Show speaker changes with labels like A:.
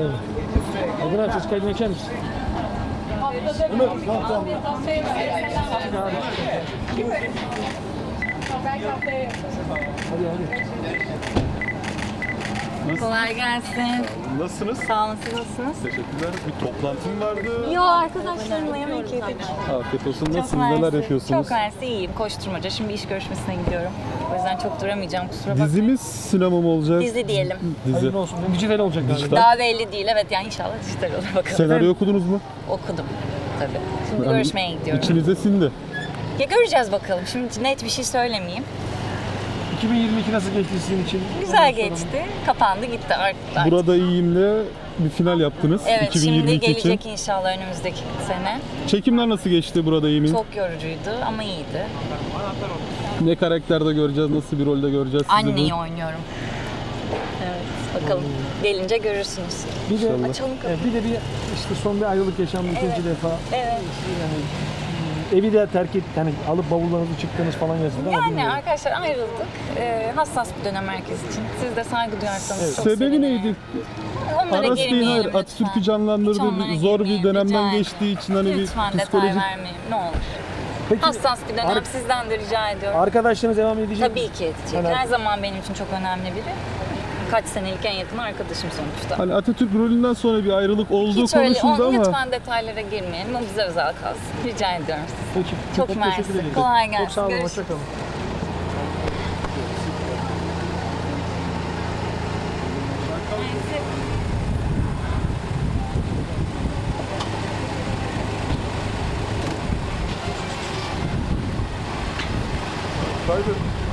A: Ömer abi çocuk kaydını açar mısın? Ömer, tamam. Hadi.
B: Kolay gelsin.
C: Nasılsınız?
B: Sağ olun, siz nasılsınız?
C: Teşekkürler. Bir toplantım vardı.
B: Yo, arkadaşlarımla yemek yedik.
C: Afiyet olsun.
B: Çok
C: Nasılsınız? Neler
B: mersi.
C: yapıyorsunuz?
B: Çok mersi, iyiyim. Koşturmaca. Şimdi iş görüşmesine gidiyorum. O yüzden çok duramayacağım, kusura bakmayın.
C: Dizimiz sinema mı olacak?
B: Dizi diyelim.
C: Dizi.
A: Hayırlı olsun. Dijital olacak galiba.
C: Dijital.
B: Daha belli değil. Evet, yani inşallah dijital olur bakalım.
C: Senaryo okudunuz mu?
B: Okudum tabii. Şimdi
C: Yani
B: görüşmeye gidiyorum.
C: İçinize sindi.
B: Ya göreceğiz bakalım. Şimdi net bir şey söylemeyeyim.
A: 2022 nasıl geçti sizin için?
B: Güzel geçti. Kapandı gitti artık.
C: Burada iyiyimle bir final yaptınız.
B: Evet,
C: 2022
B: şimdi gelecek
C: için.
B: inşallah önümüzdeki sene.
C: Çekimler nasıl geçti burada iyimin?
B: Çok yorucuydu ama iyiydi.
C: Ne karakterde göreceğiz, nasıl bir rolde göreceğiz sizi?
B: Anneyi oynuyorum. Evet, bakalım. Gelince görürsünüz.
A: Bir de,
B: Açalım kapıyı.
A: bir de işte son bir ayrılık yaşandı ikinci defa.
B: Evet.
A: Yani evi de terk et, yani alıp bavullarınızı çıktınız falan yazıldı ama
B: Yani
A: bilmiyorum.
B: arkadaşlar ayrıldık. Hassas bir dönem herkes için. Siz de saygı duyarsanız çok
C: Sebebi
B: sevinirim.
C: neydi?
B: Onlara
C: Aras Bey'in
B: girmeyelim
C: hayır,
B: lütfen.
C: Atatürk'ü
B: Hiç
C: canlandırdığı
B: onlara
C: bir zor bir
B: girmeyelim,
C: dönemden
B: rica ederim.
C: geçtiği için hani
B: Lütfen
C: bir
B: detay
C: psikolojik...
B: vermeyelim ne olur.
A: Peki,
B: Hassas bir dönem sizden de rica ediyorum.
A: arkadaşlarınız devam edecek mi?
B: Tabii ki edecek.
A: Yani-
B: Her zaman benim için çok önemli biri. Kaç senelik en yakın arkadaşım sonuçta.
C: Hani Atatürk rolünden sonra bir ayrılık olduğu
B: Hiç öyle,
C: konuşuldu ama...
B: lütfen detaylara girmeyelim. O bize özel kalsın. Rica ediyorum size.
A: Peki,
B: Çok mersi.
A: teşekkür ederim.
B: Kolay gelsin.
A: Çok sağ olun,
B: Görüşürüz.
A: hoşçakalın.
C: Kaybettim.